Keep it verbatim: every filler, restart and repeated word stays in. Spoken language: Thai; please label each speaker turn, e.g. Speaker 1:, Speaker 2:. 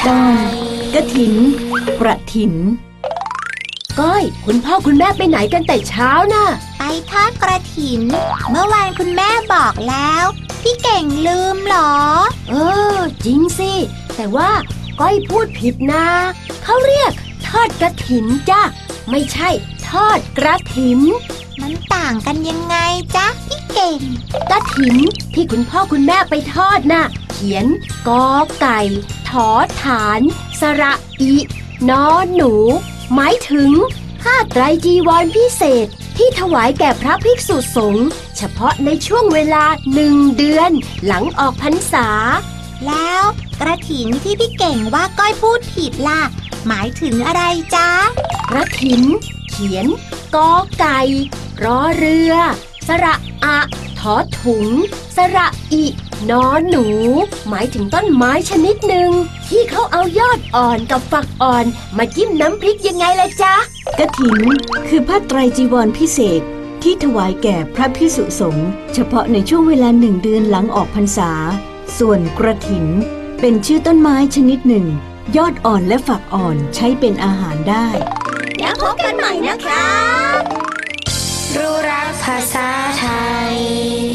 Speaker 1: ตอนกฐินกระถินก้อยคุณพ่อคุณแม่ไปไหนกันแต่เช้าน่ะ
Speaker 2: ไปทอดกระถินเมื่อวานคุณแม่บอกแล้วพี่เก่งลืมหรอ
Speaker 1: เออจริงสิแต่ว่าก้อยพูดผิดนะเขาเรียกทอดกฐินจ้ะไม่ใช่ทอดกระถิน
Speaker 2: มันต่างกันยังไงจ๊ะพี่เก่ง
Speaker 1: กฐินที่คุณพ่อคุณแม่ไปทอดน่ะเขียนกอไก่ถอฐานสระอินอหนูหมายถึงผ้าไตรจีวรพิเศษที่ถวายแก่พระภิกษุสงฆ์เฉพาะในช่วงเวลาหนึ่งเดือนหลังออกพรรษา
Speaker 2: แล้วกระถินที่พี่เก่งว่าก้อยพูดผิดล่ะหมายถึงอะไรจ๊ะ
Speaker 1: กระถินเขียนกอไก่รอเรือสระอะถอถุงสระอินอหนูหมายถึงต้นไม้ชนิดหนึ่งที่เขาเอายอดอ่อนกับฝักอ่อนมาจิ้มน้ำพริกยังไงล่ะจ๊ะ
Speaker 3: กฐินคือผ้าไตรจีวรพิเศษที่ถวายแก่พระภิกษุสงฆ์เฉพาะในช่วงเวลาหนึ่งเดือนหลังออกพรรษาส่วนกระถินเป็นชื่อต้นไม้ชนิดหนึ่งยอดอ่อนและฝักอ่อนใช้เป็นอาหารได้
Speaker 2: แล้วพบกันใหม่นะคะ
Speaker 4: รู้รักภาษาไทย